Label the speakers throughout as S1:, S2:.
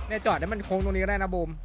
S1: เนี่ยจอดให้มันโค้งตรงนี้ก็ได้นะบูม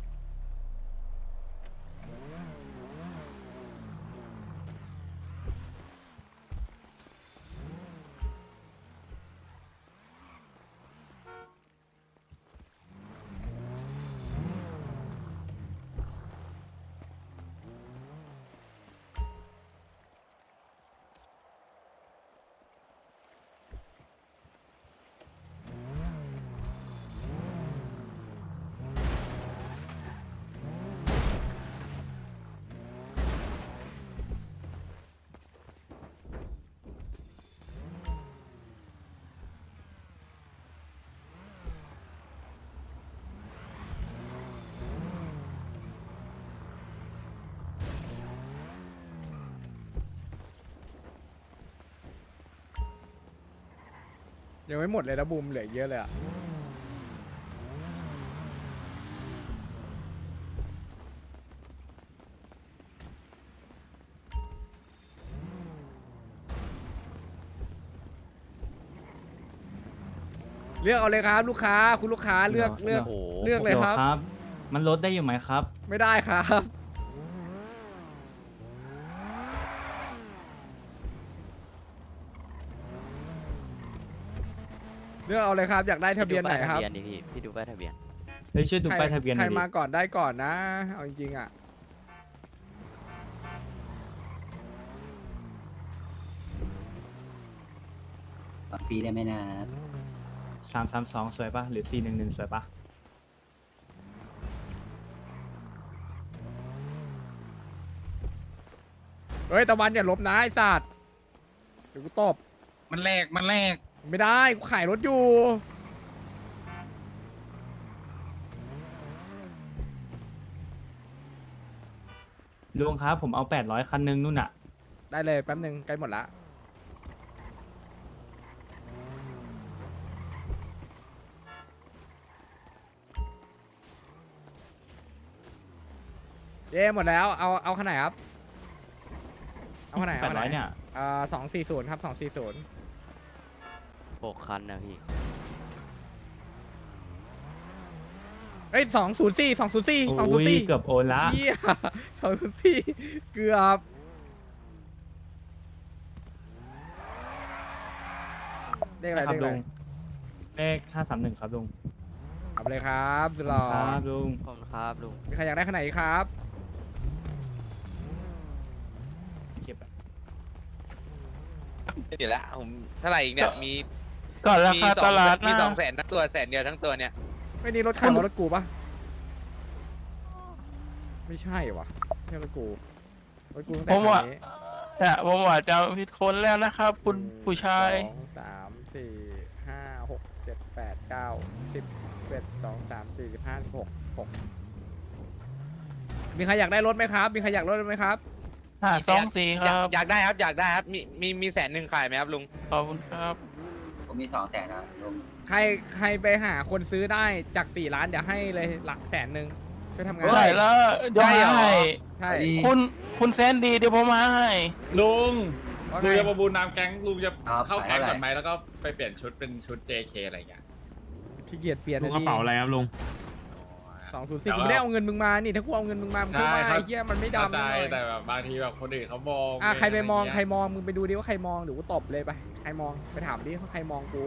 S1: ยังไม่หมดเลยนะบูมเหลือเยอะเลยอะเลือกเอาเลยครับลูกค้าคุณลูกค้าเลือกเลือก
S2: โอ้โห
S1: เลือกเลยครับ
S2: ครับ มันลดได้อยู่ไหมครับ
S1: ไม่ได้ครับเลือกเอาเลยครับอยากได้ทะเบียนไหนครับ
S3: ทะเบียนดิพี่ดูป้ายทะเบียน
S2: เฮ้ยช่วยดูป้ายทะเบียนห
S1: ใคร
S2: น่อยดิ
S1: มาก่อนได้ก่อนนะเอาจริงๆอ่ะ
S4: ฟรีได้ไหมนะ
S2: 332สวยปะหรือ411สวยปะ
S1: เฮ้ยตะวันอย่าลบนะไอ้สัตว์เดี๋ยวกูตบ
S5: มันแรก
S1: ไม่ได้กูขายรถอยู่
S2: ลุงครับผมเอา800คันนึงนู่นน่ะ
S1: ได้เลยแป๊บนึงใกล้หมดละเย้หมดแล้วเอาขนาดไหนครับเอาขนาดไหนเอาขนาดไห
S2: 800เนี่ย
S1: 240ครับ240
S3: 6 คันนะพี่
S1: เอ้ย204 204
S2: โอ้ย
S1: 204
S2: เกือบโอนละ
S1: เหี้ย204เกือบเลขอะไร
S2: ครั
S1: เล
S2: บ
S1: ขอะไร
S2: ลุงเลข531ครับลุง
S1: เอาไปเลยครับสุดหล่อ
S2: ครับลุง
S3: ขอบคุณครับลุง
S1: มีใครอยากได้ขนาดไหนครับ
S2: เก็บอะ
S6: เดี๋ยวละผมเท่าไหร่อีกเนี่ยมี
S5: ก่อนราคาตลาด
S6: มี
S5: นะ
S6: 200,000ทั้งตัว100,000เดียวทั้งตัวเนี่ย
S1: ไม่นี่รถใครวะรถกูปะไม่ใช่วะไม่ใช่รถกูตั้งแต่
S5: ผมว่า
S1: คันนี้
S5: เนี่ยผมว่าจะผิดคนแล้วนะครับ คุณผู้ชาย
S1: 1 2 3 4 5 6 7 8 9 10 11 12 13 14 15 16 16มีใครอยากได้รถไหมครับ มีใครอยากได้รถไหมครับ
S5: 524 ครับ
S6: อยากได้ครับอยากได้ครับมี100,000ขายไหมครับลุง
S5: ขอบคุณครับ
S4: ผมมี200,000นะลุง
S1: ใครไปหาคนซื้อได้จาก4 ล้านเดี๋ยวให้เลยหลัก100,000ช่วยทำงาน
S5: ได้แล้วเดี๋ยว
S6: ได้เหรอ
S5: ให้
S1: ใช่
S5: คุณแซนดีเดี๋ยวผมมาให้
S7: ลุง
S1: ว่า
S7: ลุง
S1: ไง
S7: จะประมูลนามแก๊งลุงจะ
S4: ครับ
S7: เข้าแก๊ง
S4: ขาย
S7: ก่
S4: อะ
S7: อน
S4: ไร
S7: ไหมแล้วก็ไปเปลี่ยนชุดเป็นชุด JK อะไรอย่างเงี้ย
S1: ขี้เกียจเปลี่ยน
S2: ลุงกระเป๋าอะไรครับลุง
S1: 204กูไม่ได้เอาเงินมึงมานี่ถ้ากูเอาเงินมึงมามึงช่วยมาไอ้เหี้ยมันไม่
S7: เข้า
S1: ดำ
S7: ใจ
S1: เลย
S7: แต่แบบบางทีแบบคนอื่นเขามอง
S1: ใครไปมอง
S7: ะร
S1: ใคร
S7: เงี้ย
S1: มองมึงไปดูดิว่าใครมองเดี๋ยวกูตบเลยไปใครมองไปถามดิว่าใครมองกู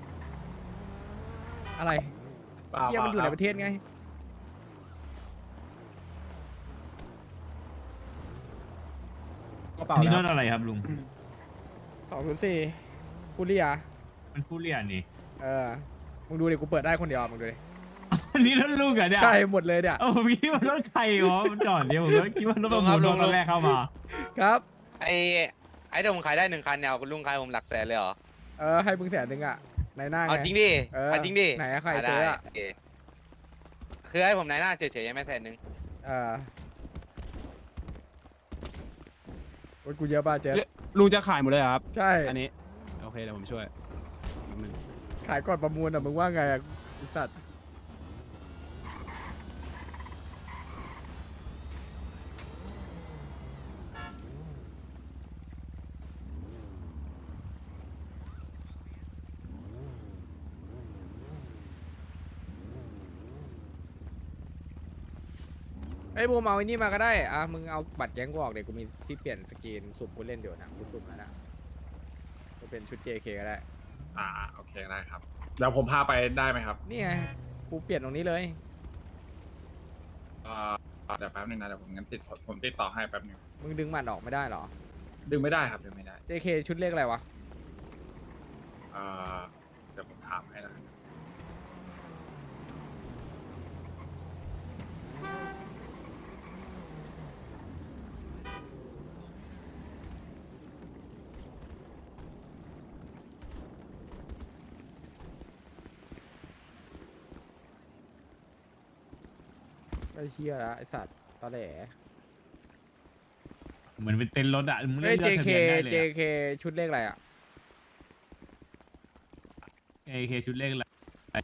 S1: อะไร
S7: เปล่า
S1: เหี้ยมันอยู่ในประเทศไงกระเป๋า
S2: นี่
S1: แล้
S2: ร
S1: ว
S2: ถอะไรครับลุง
S1: 204ฟูเรีย
S2: มันฟูเรียนี่
S1: มึงดูดิกูเปิดได้คนเดียวมึงดูดิ
S2: อันนี้รถลุงเหรอเนี่ย
S1: ใช่หมดเลยเนี่ย
S2: โอ้ผมคิดว่ารถใครวะมันจอดเดียวผมก็คิดว่ารถประมูลรถตอนแรกเข้ามา
S1: ครับ
S6: ไอ้เดี๋ยวผมขายได้1 คันเนี่ยคุณลุงขายผมหลักแสนเลยเหรอ
S1: ให้มึง100,000อ่ะในหน้าไง
S6: เอาจริงดิ เอาจริงดิ
S1: ไหนอะใคร
S6: ได้
S1: ซื้ออะ
S6: โอเคคือให้ผมนายหน้าเฉยๆยังไม่100,000
S1: รถกูเยอะป่ะเจ๊
S8: ลุงจะขายหมดเลยเหรอครับ
S1: ใช่
S8: อันนี้ โอเคเดี๋ยวผมช่วยแป๊บนึง
S1: ขายก่อนประมูลอ่ะมึงว่าไงอ่ะไอ้สัตว์ไอ้ยบูมเอาไอ้นี่มาก็ได้อ่ะมึงเอาบัตรแก๊งกูออกเดี๋ยวกูมีที่เปลี่ยนสกรีนสุ่มผู้เล่นเดี๋ยวนะกูสุ่มแล้วนะจะเป็นชุด JK ก็ได้
S7: โอเคได้ครับเดี๋ยวผมพาไปได้ไหมครับ
S1: นี่ไงกูเปลี่ยนตรงนี้เลย
S7: เดี๋ยวแป๊บนึงนะเดี๋ยวผมงั้นผมติดต่อให้แป๊บนึง
S1: มึงดึงมันออกไม่ได้เหรอ
S7: ดึงไม่ได้ครับดึงไม่ได้
S1: JK ชุดเลขอะไรวะ
S7: เดี๋ยวผมถามให้นะ
S1: ไอ้เฮียละไอสัตว์ตอแหล
S2: เหมือนเป็นเต็นท์รถอะมึง
S1: เฮ้
S2: เลื
S1: ย
S2: อกทะ
S1: JK
S2: เบียนได้เลย
S1: JK ชุดเลขอะไรอ่ะ
S2: JK ชุดเลขอะไร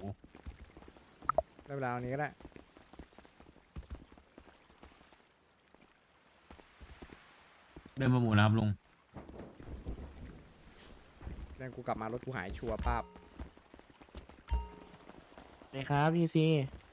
S1: ได้เวลาอันนี้ก็ได้
S2: เดินประมูลนะครับลุง
S1: นั่นกูกลับมารถกูหายชัวร์ป้าบ
S5: สวัสดีครับพี่ซี